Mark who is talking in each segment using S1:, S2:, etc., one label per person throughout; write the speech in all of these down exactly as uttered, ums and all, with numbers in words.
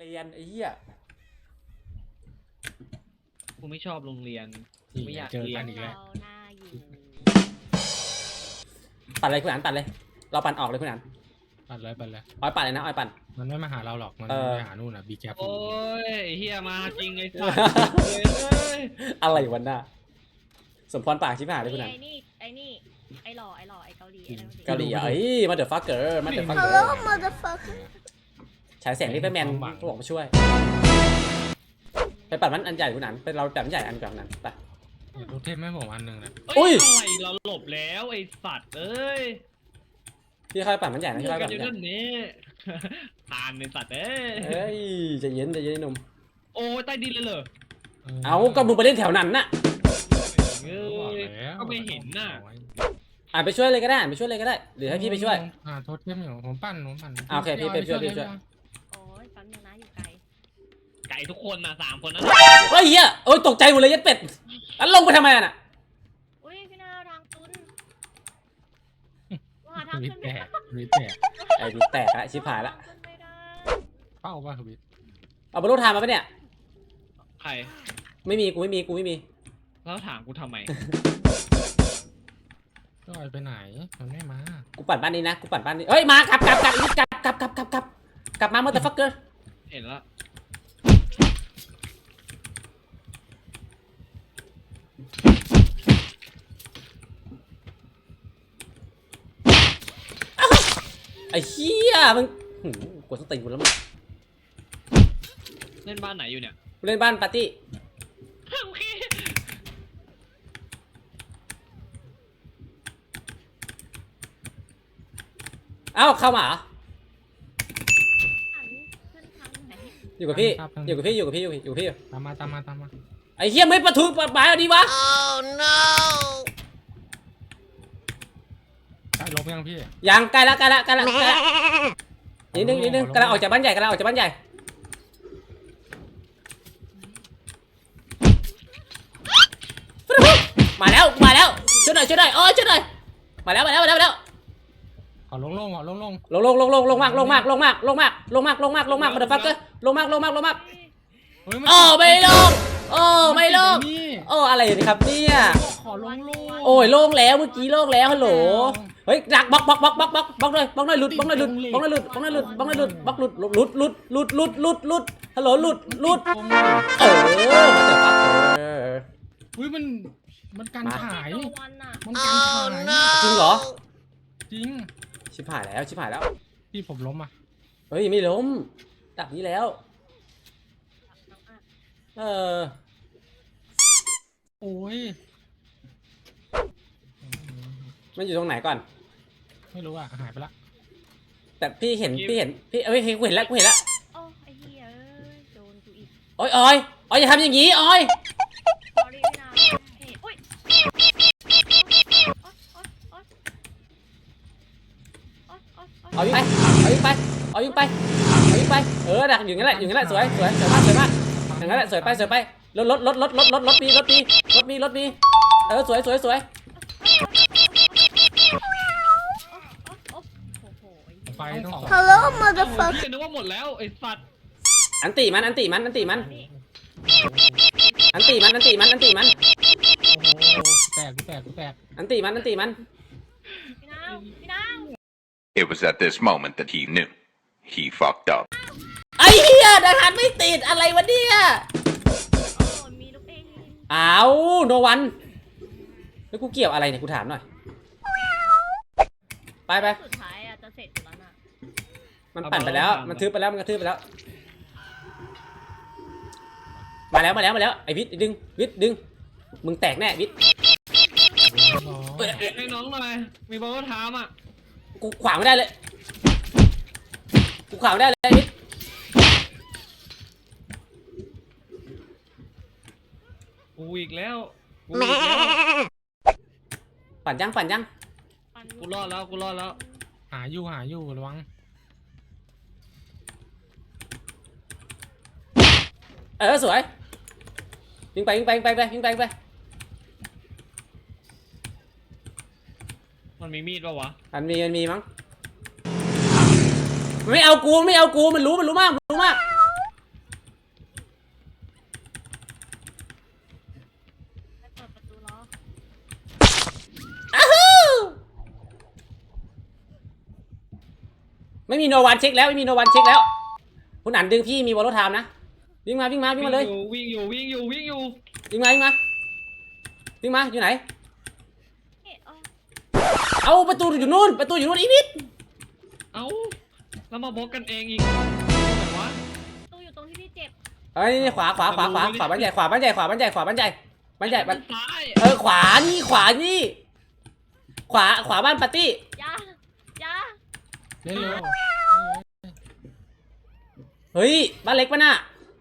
S1: รียนไอ้เหี้ย
S2: กูไม่ชอบโรงเรียนไม่อยาก
S3: เจอ
S2: เรีย
S3: กัน นอีกแล้ว
S1: ปั่นเลยคุณอันปั่นเลยเราปั่นออกเลยคุณอัน
S3: ปัดเลยปัดเลย
S1: อ้อยปั่นเลยนะอ้อยปั่น
S3: มันไม่มาหาเราหรอกมัน
S1: เออ
S3: ไปหานู่นอ่ะบีแคป
S2: โอ้ยเฮียมาจริงไอ้สัสเลย
S1: อะไรวันน่ะสมพรปากชิบหายเลยคุณอัน
S4: ไอ้นี่ไอ้นี่ไอ้หล่อไอ้หล่อไอ้เกาหลีไอ้นั่นสิ
S1: เกาหลีอ่ะเอ้ยมาเดอะฟักเกอร์มาเดอะฟักเกอ
S5: Hello
S1: ร์
S5: motherfucker
S1: ฉายแสงรีบไปแมนเขาบอกมาช่วยไปปั่นมันอันใหญ่คุณอันไปเราปั่นอันใหญ่อันกลางนั้นไป
S3: รถเทพไม่ผมอันหนึ่งนะ
S2: เอ้ย
S1: อุ้ย
S2: อะไรเราหลบแล้วไอ้สัตว์เอ้ย
S1: พี่ค่อยปั่นมันใหญ่นะ
S2: เจ
S1: พี่
S2: อ
S1: ค่อย
S2: กั
S1: ปั่
S2: น
S1: น
S2: อ
S1: มันใหญ่
S2: ยู่นั่นนี่ทานไอ้สัตว์เอ้ย
S1: เฮ้ยใจเย็นใจเย็นหนุ่ม
S2: โอ้ยใต้ดินเลยเหรอ
S1: เอาก็มึงไปเล่นแถวนั้นน่ะ
S2: เอ้ยก็ไม่เห็นน่ะ
S1: อ่านไปช่วยเลยก็ได้อ่านไปช่วยเลยก็ได้หรือให้พี่ไปช่วย
S3: อ่าโทษเทพอยู่ผมปั่นผมปั่น
S1: อ่าโอเคพี่ไปช่วยพี่ไปช่วย
S4: โอ้ยแป๊บนึงนะอยู่ไกล
S2: ไก่ทุกคนนะสามคนนะ
S1: เฮ้ยเหี้ยโอ้ยตกใจหมดเลยยัดเป็ดอันลงไปทำไมน่ะ
S4: อุ้ยพี่นาทางตุ้นหาทาง
S3: วิ
S4: ขึ้น
S3: แต
S4: ไม่
S3: ก
S4: ได้
S3: วิแตก
S1: ไอ้ดิแตกละชิบหายละ
S4: ขึ้นไม่ได้
S3: เป้าป่ะวิ
S1: เอาบรรลุธามมาปะเนี่ย
S2: ใคร
S1: ไม่มีกูไม่มีกูไม่มี
S2: แล้วถามกูทำไม
S3: ก็ไปไหนมันไม่มา
S1: กูปั่นบ้านนี้นะกูปั่นบ้านนี้เฮ้ยมากลับกลับกลับกลับกลับกลับกลับกลับกลับมาเมื่อตะฟักเกอร์
S2: เห็นแล้ว
S1: ไอ้เหี้ยมึงหืมกดสติกูแล้วมึง
S2: เล่นบ้านไหนอยู่เนี่ย
S1: กูเล่นบ้านปาร์ตี้
S2: โอเค
S1: เอ้าเข้ามาเหรอ
S4: หันขึ้นทางไหน
S1: อยู่กับพี่อยู่กับพี่อยู่กับพี่อยู่อยู่กับพี่
S3: ตามมาตามมาตามมา
S1: ไอ้เหี้ยไม่ประทุปะบายเอาดีวะ
S5: Oh no
S3: ใกล้ลบยังพี่
S1: ยังใกล้ละใกล้ละใกล้ละใกล้ละนิดนึงนิดนึงกำลังออกจากบ้านใหญ่กำลังออกจากบ้านใหญ่มาแล้วมาแล้วช่วยหน่อยช่วยหน่อยโอ้ยช่วยหน่อยมาแล้วมาแล้วมาแล้วมาแล้ว
S3: ขอลงลงขอลงลง
S1: ลงลงลงลงลงมากลงมากลงมากลงมากลงมากลงมากลงมากมาเดฟักเกอร์ลงมากลงมากลงมาก
S3: เฮ้ย
S1: โอ้ไม่ลงโอ้ไม่ลง
S3: นี่
S1: โอ้อะไรนี่ครับเนี่ย
S3: ขอลงลง
S1: โอ้ยโล่งแล้วเมื่อกี้โล่งแล้วฮัลโหลเฮ้ยดักบล็อกบล็อกบล็อกบล็อกบล็อกบล็อกเลยบล็อกหน่อยหลุดบล็อกหน่อยหลุดบล็อกหน่อยหลุดบล็อกหน่อยหลุดบล็อกหน่อยหลุดบล็อกหลุดหลุดหลุดหลุดหลุดหลุดหลุดฮัลโหลหลุดหลุดเออมาเดฟักเกอร์
S3: อุ้ยมันมันการขาย
S4: ตัววันน่ะ
S3: มันการขาย
S1: จริงเหรอ
S3: จริง
S1: ชิบหายแล้วชิบหายแล้ว
S3: พี่ผมล้มอ่ะ
S1: เฮ้ยไม่ล้มดักนี้แล้วเออ
S3: โอ้ย
S1: มันอยู่ตรงไหนก่อน
S3: ไม่รู้อ่ะหายไปละ
S1: แต่พี่เห็นพี่เห็นพี่เอ้ยกูเห็นแล้วกูเห็นแล้ว
S4: โอ้ไอ้เหี้ยเอ้ยโดนกูอีก
S1: โอ้ยออยออยอย่าทำอย่างนี้ออย
S4: sorry พี่นาเฮ้ยอุ้ยโอ๊ยโอ๊ยโอ๊ยโอ๊ยโอ๊ยโอ๊ย
S1: เอายิงไปเอายิงไปเอายิงไปเอายิงไปเออดักอยู่งั้นแหละอยู่งั้นแหละสวยสวยสวยมากสวยมากอย่างนั้นแหละสวยไปสวยไปรถรถรถรถรถรถรถมีรถมีรถมีรถมีเออสวยสวยสวย
S4: โอ้โหไอ้เหี้ย
S3: ไฟต้องสอง
S5: Hello
S2: เฮ้
S5: motherfucker
S2: ยนึกว่าหมดแล้วไอ้สัตว์
S1: อันตีมันอันตีมันอันตีมัน
S4: นี่
S1: อันตีมันอันตีมันอันตีมัน
S3: โอ้โหแตกกูแตกกูแตก
S1: อันตีมันอันตีมัน
S4: พี่นาวพี่นาว
S6: It was at this moment that he knew. He fucked up.
S1: ไอ้เหี้ยดังหันไม่ติดอะไรวะเนี่ย
S4: โอ้มีลูกเอง
S1: อ้าวโนวันแล้วกูเกี่ยวอะไรเนี่ยกูถามหน่อยไปไป
S4: สุดท้ายอ่ะจะเสร็จอยู่แล้วน่ะ
S1: มันปั่นไปแล้วมันทึบไปแล้วมันกระทืบไปแล้วมาแล้วมาแล้วมาแล้วไอ้วิทย์ดึงวิทย์ดึงมึงแตกแน่วิทย์
S3: โอ้ย
S2: ให้น้องหน่อยมีบอลก็ถามอ่ะ
S1: กูขวางไม่ได้เลยกูขวางไม่ได้เลยไอ้วิทย์
S2: กูอีกแล้วกูอีกแล้ว
S1: ปั่นยังปั่นยัง
S4: ปัน
S2: กูรอดแล้วกูรอดแล้ว
S3: หาอยู่หาอยู่ระวัง
S1: เออสวยยิงไปยิงไปยิงไปไปยิงไปยิงไป
S2: มันมีมีดปะวะ
S1: มันมีมันมีมั้งมันไม่เอากูไม่เอากูมันรู้มันรู้มากมันรู้มากไม่มีโนวันเช็คแล้วไม่มีโนวันเช็คแล้วคุณอันดึงพี่มีวอลโลไทม์นะวิ่งมาวิ่งมาวิ่งมาเลย
S2: วิ่งอยู่วิ่งอยู่วิ่งอยู่
S1: วิ่งมาวิ่งมาวิ่งมาอยู่ไหน
S4: เอ๊ะอ๋อ
S1: เอาประตูอยู่นู่นประตูอยู่นู่นอีนิด
S2: เอ้าแล้วมาบล็อกกันเองอีกไหนวะ
S4: ตู้อยู่ตรงที่พี่เจ็บ
S1: เอ้ยขวาขวาขวาขวาขวาบ้านใหญ่ขวาบ้านใหญ่ขวาบ้านใหญ่ขวาบ้านใหญ่บ้านใหญ่บ้าน
S2: ซ้าย
S1: เออขวานี่ขวานี่ขวาขวาบ้านปาร์ตี้
S4: ยา ยา
S3: เร็วเร็ว
S1: เฮ้ยบ้านเล็กปะน่ะ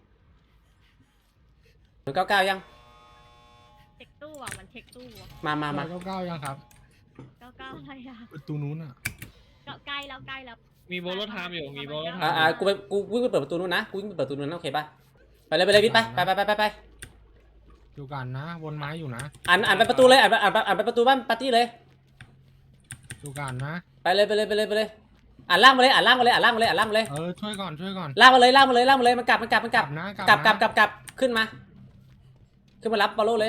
S1: หนึ่งเก้าเก้ายัง
S4: เช็คตู้อ่ะ มันเช็คตู้อ่ะ
S1: มามามา
S3: เก้าเก้ายังครับ
S4: เก้าเก้าอะไรอ่ะ
S3: ประตูนู้นอ่ะ
S4: เก้าใกล้แล้วใกล้แล้ว
S2: มีโบโลไทม์อยู่มีโบโลไท
S1: อ่า
S2: ม์
S1: อ่ากูไปกูวิ่งไปเปิดประตูนู้นนะกูวิ่งไปเปิดประตูนู้นนะโอเคป่ะไปเลยไปเลยวิทย์ไปไปไปไปไปไป
S3: อยู่กันนะวนไม้อยู่นะ
S1: อ่านอ่านไปประตูเลยอ่านไปอ่านไปอ่านไปประตูบ้านปาร์ตี้เลย
S3: อยู่กันนะ
S1: ไปเลยไปเลยไปเลยไปเลยอ่านล่างมาเลยอ่านล่างมาเลยอ่านล่างมาเลยอ่านล่างมาเลย
S3: เออช่วยก่อนช่วยก่อน
S1: ล่างมาเลยล่างมาเลยล่างมาเลยมันกลับมันกลับมันกลับ
S3: นะ
S1: กลับกลับ
S3: นะ
S1: กลับกลับขึ้นมา ขึ้นมารับบอลโลเลย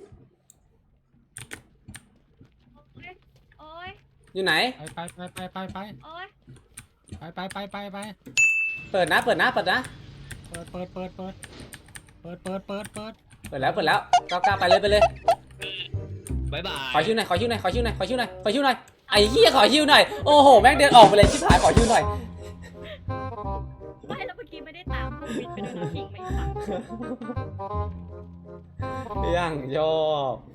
S4: โอ๊ยโอ๊ย
S1: อยู่ไหน
S3: ไปไปไปไปไป
S4: โอ๊ย
S3: ไปไปไปไปไป
S1: เปิดนะเปิดนะเปิดนะ
S3: เปิดเปิดเปิดเปิดเปิดเปิดเปิดเปิด
S1: เปิดแล้วเปิดแล้วก้าวก้าวไปเลยไปเลย
S2: บายบาย
S1: ขอชิวหน่อยขอชิวหน่อยขอชิวหน่อยขอชิวหน่อยขอชิวหน่อยไอ้เหี้ยขอชิวหน่อยโอ้โหแม่งเดินออกไปเลยชิบหายขอชิวหน่อย
S4: ไม่แล้วเมื่อกี้ไม่ได้ตามพวกวิทย์ไปโดนทิ้งไม่ฟัง
S1: ยังชอบ